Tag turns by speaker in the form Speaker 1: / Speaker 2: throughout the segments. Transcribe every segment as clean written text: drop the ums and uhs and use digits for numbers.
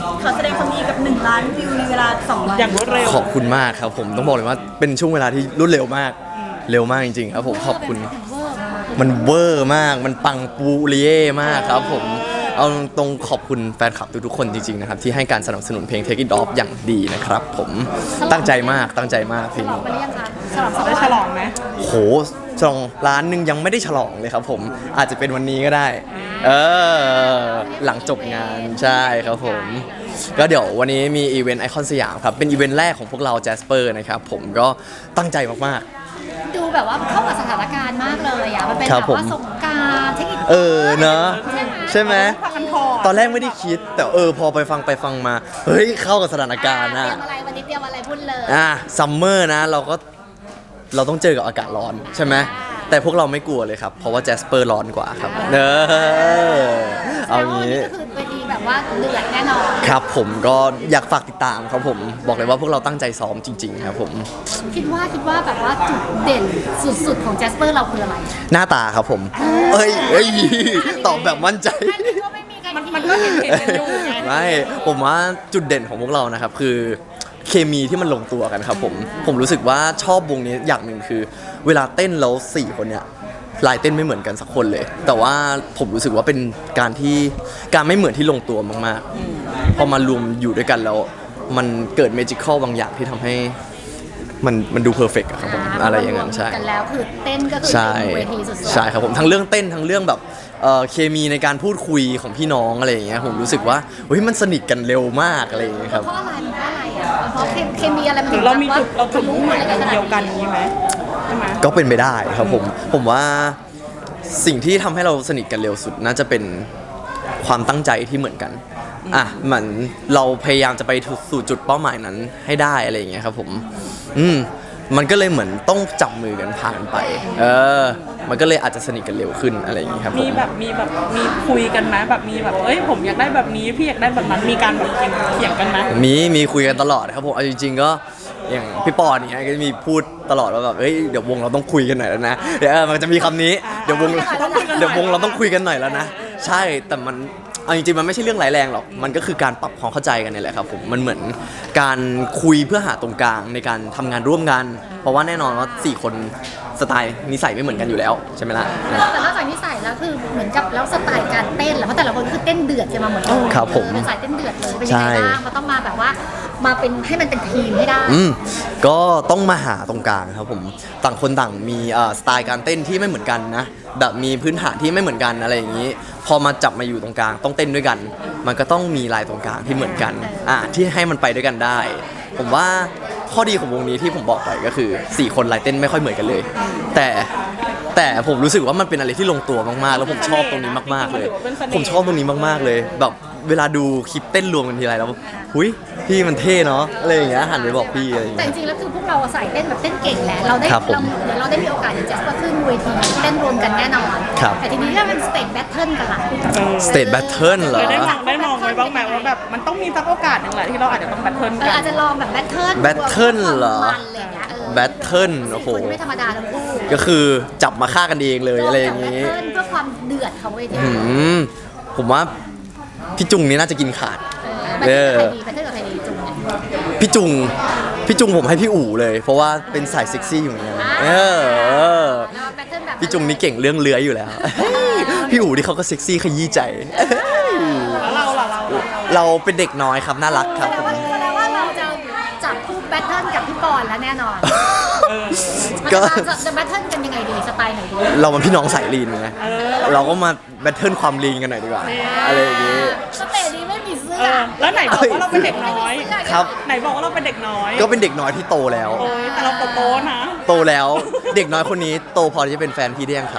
Speaker 1: ขอแสดงความยินดีกับ1 ล้านวิวในเวลา2 วัน
Speaker 2: อย่างรวดเร็ว
Speaker 3: ขอบคุณมากครับผมต้องบอกเลยว่าเป็นช่วงเวลาที่รวดเร็วมากเร็วมากจริงๆครับผมขอบคุณมันเวอร์มากมันปังปูเรียมากครับผมเอาตรงขอบคุณแฟนคลับทุกๆคนจริงๆนะครับที่ให้การสนับสนุนเพลง Take It Off อย่างดีนะครับผมตั้งใจมากเพลง
Speaker 4: ฉลอง
Speaker 3: นี้
Speaker 4: ไปหรือยังคะ
Speaker 2: ได้ฉลองไหม
Speaker 3: โหฉลองล้านหนึ่งยังไม่ได้ฉลองเลยครับผมอาจจะเป็นวันนี้ก็ได้หลังจบงานใช่ครับผมก็เดี๋ยววันนี้มีอีเวนต์ไอคอนสยามครับเป็นอีเวนต์แรกของพวกเราแจสเปอร์นะครับผมก็ตั้งใจมาก
Speaker 4: ดูแบบว่าเข้ากับสถานการณ์มากเลยอ่ะมันเป็น
Speaker 3: ครั
Speaker 4: แบบ บ
Speaker 3: ผม
Speaker 4: ว่าสงกรานต์เทคนิค
Speaker 3: เนอะใช่ไหม
Speaker 2: พักกันพอ
Speaker 3: ตอนแรกไม่ได้คิดแต่พอไปฟังมาเฮ้ยเข้ากับสถานการณ์
Speaker 4: เตรี
Speaker 3: นะ
Speaker 4: ยมอะไรวันนี้เตรียมอะไรพูดเลย
Speaker 3: ซัมเมอร์นะเราต้องเจอกับอากาศร้อนใช่ไหมแต่พวกเราไม่กลัวเลยครับเพราะว่าแจสเปอร์ร้อนกว่าครับเอางี้
Speaker 4: ก็คือเวทีแบบว่าเดือดแน่นอน
Speaker 3: ครับผมก็อยากฝากติดตามครับผมบอกเลยว่าพวกเราตั้งใจซ้อมจริงๆครับผม
Speaker 4: คิดว่าแบบว่าจุดเด่นสุดๆของแจสเปอร์เราคืออะไร
Speaker 3: หน้าตาครับผมตอบแบบมั่นใจ
Speaker 4: อันนี้ก็ไม่มีใคร
Speaker 2: มันก็เห็นกันอยู่ไง
Speaker 3: ไม่ผมว่าจุดเด่นของพวกเรานะครับคือเคมีที่มันลงตัวกันครับผมรู้สึกว่าชอบวงนี้อย่างหนึ่งคือ เวลาเต้นแล้ว4 คนเนี่ยลายเต้นไม่เหมือนกันสักคนเลย แต่ว่าผมรู้สึกว่าเป็นการไม่เหมือนที่ลงตัวมากๆพอมารวมอยู่ด้วยกันแล้วมันเกิดเมจิคอลบางอย่างที่ทำให้มันดูเพอร์เฟกต์ครับผมอะไรอย่างนั้นใช่
Speaker 4: กันแล้วคือเต้นก็คือ
Speaker 3: ใช่
Speaker 4: เต็มเวทีสุดๆ
Speaker 3: ใช่ครับผมทั้งเรื่องเต้นทั้งเรื่องแบบเคมีในการพูดคุยของพี่น้องอะไรอย่างเงี้ยผมรู้สึกว่าเฮ้ยมันสนิทกันเร็วมากอะไรอย่างเงี้ยครับ
Speaker 4: เพราะอะไรอ่ะเพราะเคมีอะไรมันถึง
Speaker 2: เรามีจุด
Speaker 4: แบบ
Speaker 2: เรา
Speaker 4: ว่า
Speaker 2: จุดมุ่งหมาย
Speaker 4: อะไร
Speaker 2: เดียวกันนี้ไหมใช่ไหม
Speaker 3: ก็เป็นไปได้ครับผมว่าสิ่งที่ทำให้เราสนิทกันเร็วสุดน่าจะเป็นความตั้งใจที่เหมือนกันเหมือนเราพยายามจะไปสู่จุดเป้าหมายนั้นให้ได้อะไรอย่างเงี้ยครับผมมันก็เลยเหมือนต้องจับมือกันผ่านไปมันก็เลยอาจจะสนิทกันเร็วขึ้นอะไรอย่างเงี้ยครับผม
Speaker 2: มีคุยกันไหมแบบมีแบบผมอยากได้แบบนี้พี่อยากได้แบบนั้นมีการแบบเถียงกันไหม
Speaker 3: มีคุยกันตลอดครับผมเอาจริงๆก็อย่างพี่ปอนเนี่ยก็จะมีพูดตลอดว่าแบบเดี๋ยววงเราต้องคุยกันหน่อยแล้วนะเดี๋ยวมันจะมีคำนี้เดี๋ยววงเราต้องคุยกันหน่อยแล้วนะใช่แต่มันเอาจริงๆมันไม่ใช่เรื่องร้ายแรงหรอกมันก็คือการปรับความเข้าใจกันนี่แหละครับผมมันเหมือนการคุยเพื่อหาตรงกลางในการทำงานร่วมกันเพราะว่าแน่นอนว่า4 คนสไตล์นิสัยไม่เหมือนกันอยู่แล้วใช่ไหมล่ะ
Speaker 4: แต่นอกจากนิสัยแล้วคือเหมือนกับแล้วสไตล์การเต้นแล้วเพราะแต่ละคนคือเต้นเดือดจะมาเหมือนกัน
Speaker 3: ครับผม
Speaker 4: เป็นสายเต้นเดือดเลยเป็นยังไงบ้างมันต้องมาแบบว่ามาเป็นให้มันเป็นทีมให้ได้
Speaker 3: ก็ต้องมาหาตรงกลางครับผมต่างคนต่างมีสไตล์การเต้นที่ไม่เหมือนกันนะแบบมีพื้นฐานที่ไม่เหมือนกันอะไรอย่างนี้ พอมาจับมาอยู่ตรงกลางต้องเต้นด้วยกัน มันก็ต้องมีลายตรงกลางที่เหมือนกันที่ให้มันไปด้วยกันได้ ผมว่าข้อดีของวงนี้ที่ผมบอกไปก็คือ4 คนลายเต้นไม่ค่อยเหมือนกันเลย แต่ผมรู้สึกว่ามันเป็นอะไรที่ลงตัวมากๆแล้วผมชอบตรงนี้มากๆเลย ผมชอบตรงนี้มากๆเลยแบบเวลาดูคลิปเต้นรวมกันทีไรแล้วหุยพี่มันเท่เนาะอะไรอย่างเงี้ยหันไปบอกพี่อะไรอย่าง
Speaker 4: แต่
Speaker 3: เงี้
Speaker 4: จ
Speaker 3: ย
Speaker 4: ริงๆแล้วคือพวกเราใส่เต้นแบบเต้นเก่งแหละเราได้
Speaker 3: ครับผม
Speaker 4: เดี๋ยวเราได้มีโอกาสอย่างแจ๊สก็ขึ้นเวทีเต้นรวมกันแน่นอน
Speaker 3: ครับ
Speaker 4: แต่ทีนี้ถ้าเป็นสเตจแบทเทิลกันล่ะ
Speaker 3: สเตทแบทเทิลเหรอ
Speaker 2: ได้มองไว้บ้างไหมว่าแบบมันต้องมีสักโอกาสหนึ่งแหละที่เราอาจจะต้องแบทเทิลกัน
Speaker 4: อาจจะลองแบบแบทเทิล
Speaker 3: แบทเทิลเหรอ
Speaker 4: มันอะไรอย่างเงี้ย
Speaker 3: แบทเทิลโอ้โห
Speaker 4: คนไม่ธรรมดาทั้งคู่
Speaker 3: ก็คือจับมาฆ่ากันเองเลยอะไรอย่าง
Speaker 4: นี้
Speaker 3: งี้
Speaker 4: เพื่อความเดือดของเวที
Speaker 3: ผมว่าพี่จุงนี่น่าจะกินขาด
Speaker 4: แบทเทิลกับใครดีแบทเทิลกับใครดีจุงเนี่ย
Speaker 3: พี่จุงผมให้พี่อู๋เลย เพราะว่าเป็นสายเซ็กซี่อยู่เหมือนกัน
Speaker 4: แล้วแบทเทิลแบบ
Speaker 3: พี่จุงนี่เก่งเรื่องเลื้อยอยู่แล้ว พี่อู๋ที่เขาก็เซ็กซี่ขยี้ใจ
Speaker 2: แล้วเราล่ะเรา
Speaker 3: เราเป็นเด็กน้อยครับน่ารักครับผม
Speaker 4: แสดงว่าเราจะจับคู่แบทเทิลกับพี่ปอนแล้วแน่นอน
Speaker 3: ก็
Speaker 4: จะแบทเทิลกันยังไงดีสไตล์ไหนดี
Speaker 3: เรามันพี่น้องสายลีนไงเราก็มาแบทเทิลความลีนกันหน่อยดีกว่าอะไรอย่างงี้
Speaker 4: สเตจนี้ไม่มีเสื้อ
Speaker 2: แล้วไหนบอกว่าเราเป็นเด็กน้อย
Speaker 3: ครับ
Speaker 2: ไหนบอกว่าเราเป็นเด็กน้อย
Speaker 3: ก็เป็นเด็กน้อยที่โตแล้ว
Speaker 2: โอ้ยแต่เราโตๆนะ
Speaker 3: โตแล้วเด็กน้อยคนนี้โตพอที่จะเป็นแฟนพี่ได้ยังครับ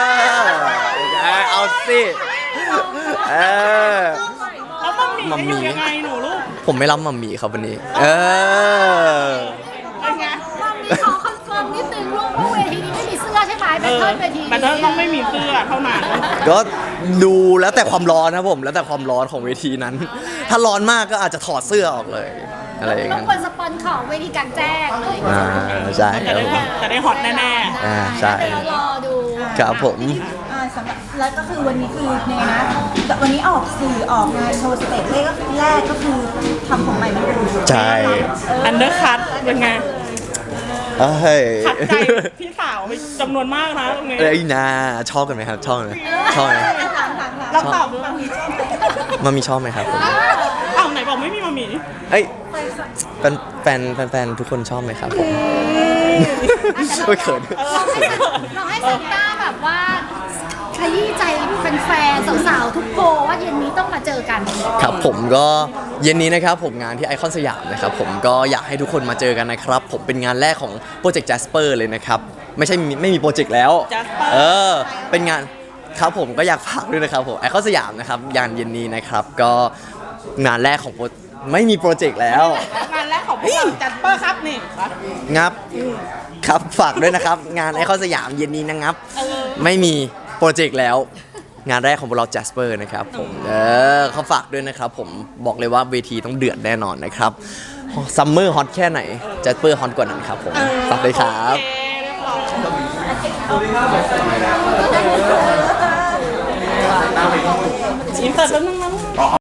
Speaker 3: เอาสิเออ
Speaker 2: แล้วต้องมี
Speaker 3: มัมมี่
Speaker 2: อยู่ยังไงหนูลูก
Speaker 3: ผมไม่รับมัมมี่ครับวันนี้
Speaker 2: เป็นไง
Speaker 4: ความนี้ขอคอนเฟิร์มนิดนึงลูกว่าเวทีนี้ไม่มีเสื้อใช่ไหมแบทเทิลเวที
Speaker 2: แบทเทิลต้องไม่มีเสื้อเท่านั้น
Speaker 3: ก็ดูแล้วแต่ความร้อนครับผมแล้วแต่ความร้อนของเวทีนั้น ถ้าร้อนมากก็อาจจะถอดเสื้อออกเลยอะไรอย่าง
Speaker 4: ต้อ
Speaker 3: นั้
Speaker 4: ง
Speaker 3: น
Speaker 4: ควรสปอนของเวทีกลางแจ้งเลย
Speaker 3: ใช่ค
Speaker 2: จะ
Speaker 3: รับ
Speaker 2: ได้
Speaker 3: ผม
Speaker 2: จะได้ฮอตแน่
Speaker 3: ใช่
Speaker 4: เดี๋ยวรอดู
Speaker 3: ครับผม
Speaker 1: ฉสำหรับแล้วก็คือวันนี้คือยังไงนะวันนี้ออกสื่อออกงานโชว์สเตจแรกก็คือทำผมใหม่มาดู
Speaker 3: ใช่
Speaker 2: อันเดอร์คัทเป็นไง
Speaker 3: เฮ้ย
Speaker 2: ขัดใจพี่สาวไปจำนวนมากนะตรงนี้
Speaker 3: เอ้ยนาชอบกันไหมครับ ชอบไหมชอบไหม
Speaker 2: เราตอบดู
Speaker 3: มามีชอบไหมครับผม
Speaker 2: อ้าวไหนบอกไม่มีมามี
Speaker 3: เอ้ยแฟนทุกคนชอบไหมครับผมไม่เขิน
Speaker 4: เราให้ซันต้าแบบว่าขยี้ใจแฟนๆสาวๆทุกโพลว่าเย็นนี้ต้องมาเจอกัน
Speaker 3: ครับผมก็เย็นนี้นะครับผมงานที่ไอคอนสยามนะครับผมก็อยากให้ทุกคนมาเจอกันนะครับ ผมเป็นงานแรกของโปรเจกต์ Jasper เลยนะครับไม่มีโปรเจกต์แล้ว
Speaker 2: Jasper
Speaker 3: เป็นงานครับผมก็อยากฝากด้วยนะครับผมไอคอนสยามนะครับงานเย็นนี้นะครับก็งานแรกของไม่มีโปรเจกต์แล้ว
Speaker 2: งานแรกของพวกเราจัดเปอร์ครับนี่
Speaker 3: งับครับฝากด้วยนะครับ งานไอคอนสยามเย็นนี้นะครับ ไม่มีโปรเจกต์แล้ว งานแรกของพวกเรา Jasper นะครับผมเขาฝากด้วยนะครับผมบอกเลยว่าเวทีต้องเดือดแน่นอนนะครับซัมเมอร์ฮอตแค่ไหน Jasper ฮอตกว่านั้นครับผมฝากด้วยครับ
Speaker 2: อินเสิร์ตแป๊บนึงนะ